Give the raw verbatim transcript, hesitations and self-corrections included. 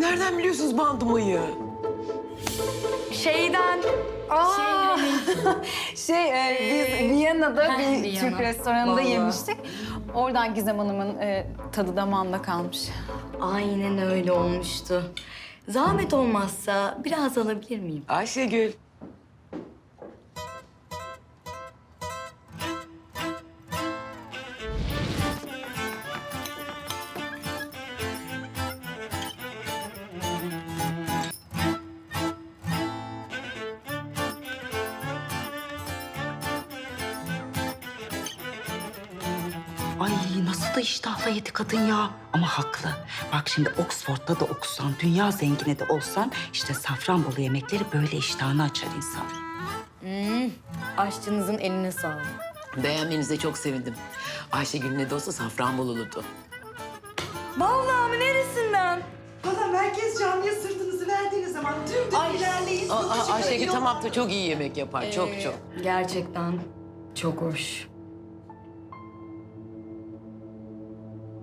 nereden biliyorsunuz bandımayı? Şeyden... Aa, şey, e, biz Viyana'da Heh, bir Viyana. Türk restoranında Vallahi. yemiştik. Oradan Gizem Hanım'ın e, tadı damağında kalmış. Aynen öyle olmuştu. Zahmet olmazsa biraz alabilir miyim? Ayşegül. Ay nasıl da iştahla yedi kadın ya. Ama haklı. Bak şimdi Oxford'da da okusan, dünya zengini de olsan... ...işte Safranbolu yemekleri böyle iştahını açar insan. Aşçınızın eline sağlık. Beğenmenize çok sevindim. Ayşegül ne de olsa Safranbolulu'du. Vallahi mi? Neresinden? Valla merkez camiye sırtınızı verdiğiniz zaman dümdüz ilerleyin. Aa, Sonucu Ayşegül görüyor. tamam da çok iyi yemek yapar. Çok Ee, çok. Gerçekten çok hoş.